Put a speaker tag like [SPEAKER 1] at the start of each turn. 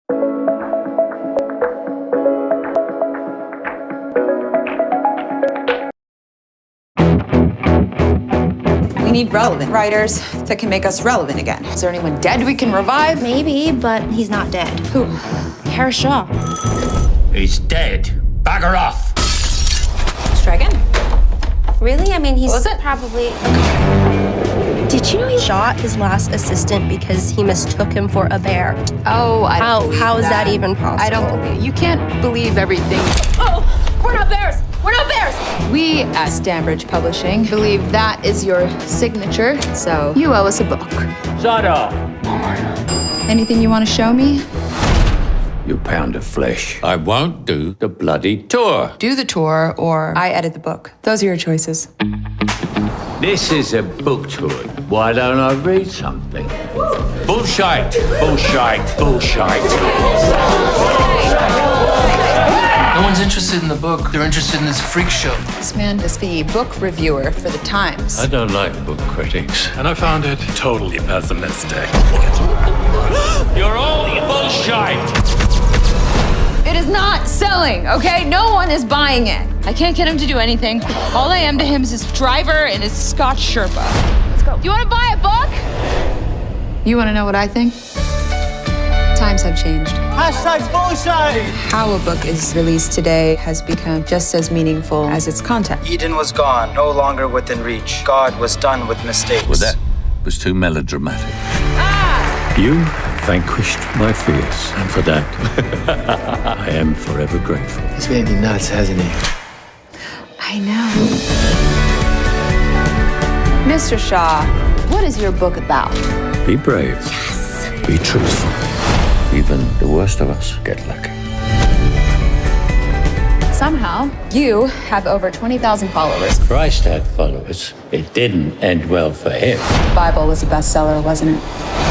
[SPEAKER 1] We need relevant writers that can make us relevant again.
[SPEAKER 2] Is there anyone dead we can revive?
[SPEAKER 3] Maybe, but he's not dead.
[SPEAKER 2] Who?
[SPEAKER 3] Harris Shaw.
[SPEAKER 4] He's dead. Bagger off.
[SPEAKER 1] Let's try again.
[SPEAKER 3] Really? I mean, he's
[SPEAKER 1] Was it?
[SPEAKER 3] probably... Did you know he shot his last assistant because he mistook him for a bear?
[SPEAKER 2] Oh, I don't believe
[SPEAKER 3] How is that even possible?
[SPEAKER 2] I don't believe. You can't believe everything.
[SPEAKER 3] Oh, we're not bears! We're not bears!
[SPEAKER 2] We at Stanbridge Publishing believe that is your signature, so you owe us a book.
[SPEAKER 4] Shut up.
[SPEAKER 2] Anything you want to show me?
[SPEAKER 4] You pound of flesh. I won't do the bloody tour.
[SPEAKER 2] Do the tour, or I edit the book. Those are your choices.
[SPEAKER 4] This is a book tour. Why don't I read something? Bullshit. Bullshit. Bullshit.
[SPEAKER 5] No one's interested in the book. They're interested in this freak show.
[SPEAKER 2] This man is the book reviewer for the Times.
[SPEAKER 4] I don't like book critics.
[SPEAKER 6] And I found it totally pessimistic.
[SPEAKER 4] You're all bullshit.
[SPEAKER 2] It is not selling, okay? No one is buying it.
[SPEAKER 7] I can't get him to do anything. All I am to him is his driver and his Scotch Sherpa. Let's go. You want to buy a book?
[SPEAKER 2] You want to know what I think? Times have changed.
[SPEAKER 8] Hashtag bullshit!
[SPEAKER 2] How a book is released today has become just as meaningful as its content.
[SPEAKER 8] Eden was gone, no longer within reach. God was done with mistakes.
[SPEAKER 4] Well, that was too melodramatic. You vanquished my fears, and for that, I am forever grateful.
[SPEAKER 5] He's made me nuts, hasn't he?
[SPEAKER 2] I know. Mr. Shaw, what is your book about?
[SPEAKER 4] Be brave. Yes. Be truthful. Even the worst of us get lucky.
[SPEAKER 2] Somehow, you have over 20,000 followers.
[SPEAKER 4] Christ had followers. It didn't end well for him.
[SPEAKER 2] The Bible was a bestseller, wasn't it?